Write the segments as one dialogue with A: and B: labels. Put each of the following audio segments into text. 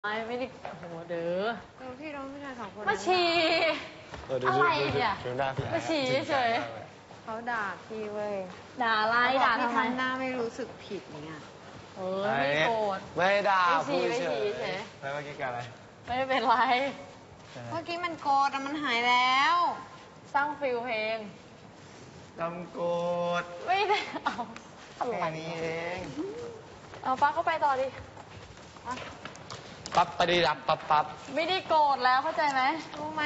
A: ไม่ได้โอ้โหเด้อ
B: พี่น้องผู้ชายสองคน
A: มาฉี่อะไรเนี่ยมาฉี่เฉย
B: เขาด่าพี่เว้ย
A: ด่าอะไรด่าทำไม
B: ทำหน้าไม่รู้สึกผิดเนี่ย
A: ไม่โกรธ
C: ไม่ด่า
A: พูดเฉย
C: แล้วเมื่อกี้กันอะไร
A: ไม่ได้เป็นไร
B: เมื่อกี้มันโกรธแต่มันหายแล้ว
A: สร้างฟิลเพลง
C: จำโกรธ
A: ไม่ได้เอา
C: แค่นี้เอง
A: เอาปั๊บก็ไปต่อดิ
C: ปั๊บปฏิดับปั๊บ
A: ไม่ได้โกรธแล้วเข้าใจไหม
B: รู้ไหม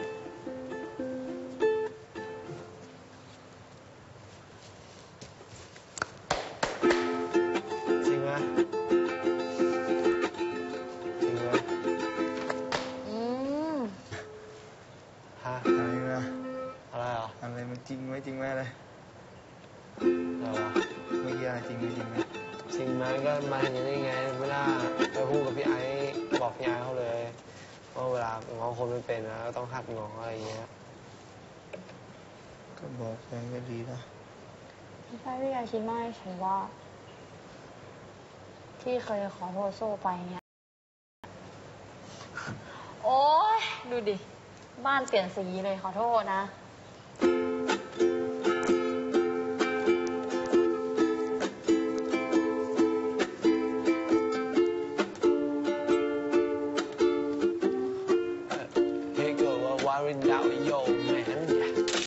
C: จริงไหมจริงไหมฮะอะไรนะอะไรอ่ะอะไรมันจริงไหมจริงไหมอะไรเมื่อกี้อะไรจริงไหมจริงไหมจริงไหมก็มาเห็นอย่างนี้ไงไม่น่าไปพูดกับพี่ไอ้บอกพี่ไอ้เขาเลยว่าเวลาง้อคนไม่เป็นนะต้องหัดง้ออะไรอย่างเงี้ยก็บอกไปก็ดีนะ
A: ไม่ใช่พี่ยายคิดมากฉันว่าที่เคยขอโทษโซ่ไปเนี่ยโอ๊ยดูดิบ้านเปลี่ยนสีเลยขอโทษนะ